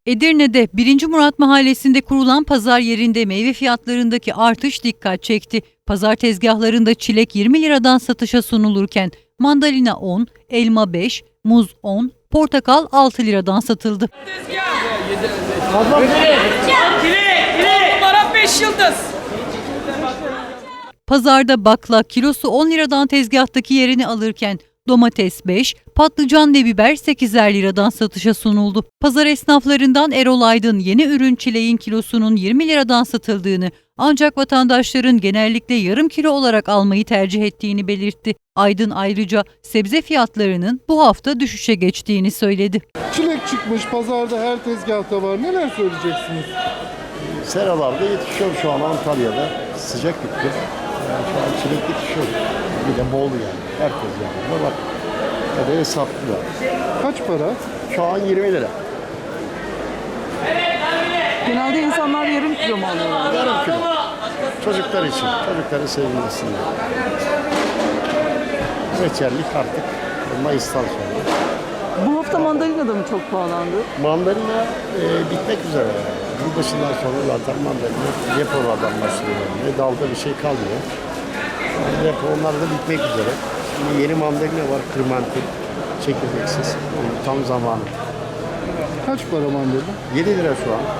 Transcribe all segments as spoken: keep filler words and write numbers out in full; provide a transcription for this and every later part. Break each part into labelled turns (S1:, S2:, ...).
S1: Edirne'de birinci. Murat Mahallesi'nde kurulan pazar yerinde meyve fiyatlarındaki artış dikkat çekti. Pazar tezgahlarında çilek yirmi liradan satışa sunulurken mandalina on, elma beş, muz on, portakal altı liradan satıldı.
S2: Numara beş yıldız.
S1: Pazarda bakla kilosu on liradan tezgahtaki yerini alırken domates beş, patlıcan ve biber sekizer liradan satışa sunuldu. Pazar esnaflarından Erol Aydın yeni ürün çileğin kilosunun yirmi liradan satıldığını ancak vatandaşların genellikle yarım kilo olarak almayı tercih ettiğini belirtti. Aydın ayrıca sebze fiyatlarının bu hafta düşüşe geçtiğini söyledi.
S3: Çilek çıkmış, pazarda her tezgahta var. Neler söyleyeceksiniz?
S4: Seralarda yetişiyor şu an Antalya'da. Sıcak bitti. Yani şu an çilek yetişiyor. Bir de bol yani. Herkes yani. Bak. Ya da hesaplılar.
S3: Kaç para?
S4: Şu an yirmi lira.
S2: Genelde insanlar yarım kilo mu alıyorlar?
S4: Yarım kilo. Çocuklar için. Çocukları sevindirsinler. Reçellik artık Mayıs'tan sonra.
S2: Bu hafta mandalina da mı çok pahalandı?
S4: Mandalina e, bitmek üzere. Yılbaşından sonra zaten mandalina depolardan başlıyor. Ne dalda bir şey kalmıyor. Depo onlar da bitmek üzere. Şimdi yeni mandalina var, kırmentil, çekirdeksiz. Yani tam zamanı.
S3: Kaç para mandalina?
S4: yedi lira şu an.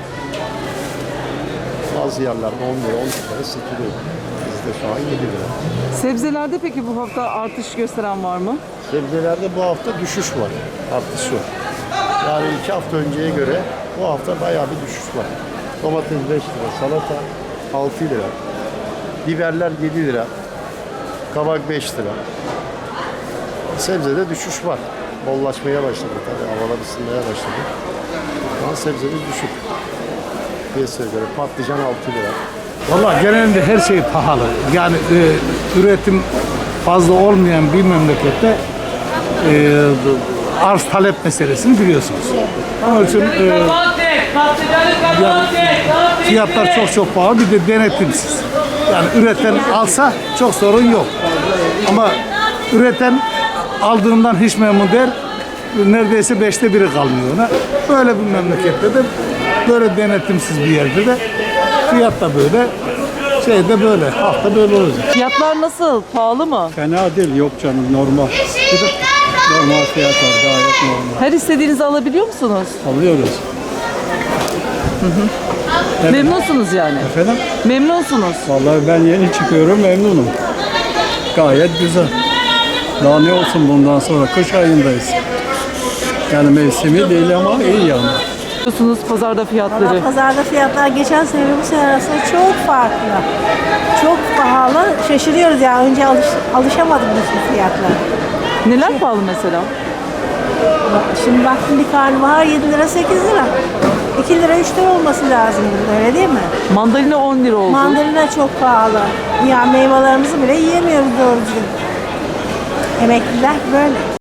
S4: Bazı yerlerde on lira, on lira satılıyor. Bizde şu an yedi lira.
S2: Sebzelerde peki bu hafta artış gösteren var mı?
S4: Sebzelerde bu hafta düşüş var, artış yok. Yani iki hafta önceye göre bu hafta bayağı bir düşüş var. Domates beş lira, salata altı lira, biberler yedi lira, kabak beş lira. Sebzede düşüş var. Bollaşmaya başladı tabii, havalar ısınmaya başladı. Şu an sebzede düşük. Piyasaya göre patlıcan altı lira.
S5: Valla genelinde her şey pahalı. Yani e, üretim fazla olmayan bir memlekette e, arz talep meselesini biliyorsunuz. Onun için e, yani fiyatlar çok çok pahalı, bir de denetimsiz. Yani üreten alsa çok sorun yok. Ama üreten aldığından hiç memnun der, neredeyse beşte biri kalmıyor ona. Böyle bir memlekette de, böyle denetimsiz bir yerde de fiyat da böyle, şey de böyle, hafta böyle olacak.
S2: Fiyatlar nasıl? Pahalı mı?
S5: Fena değil, yok canım, normal. Normal fiyat var, gayet normal.
S2: Her istediğinizi alabiliyor musunuz?
S5: Alıyoruz. Evet.
S2: Memnunsunuz yani.
S5: Efendim?
S2: Memnunsunuz.
S5: Vallahi ben yeni çıkıyorum, memnunum. Gayet güzel. Daha ne olsun bundan sonra, kış ayındayız. Yani mevsimi değil ama iyi yani.
S2: Biliyorsunuz pazarda fiyatları.
S6: Valla pazarda fiyatlar geçen sene ve bu sene arasında çok farklı. Çok pahalı. Şaşırıyoruz ya. Önce alış, alışamadık biz bu fiyatlara.
S2: Neler pahalı mesela?
S6: Şimdi baktım bir karnabahar yedi lira sekiz lira. iki lira üç lira olması lazım burada, öyle değil mi?
S2: Mandalina on lira oldu.
S6: Mandalina çok pahalı. Ya meyvelerimizi bile yiyemiyoruz doğru düzgün. Emekliler böyle.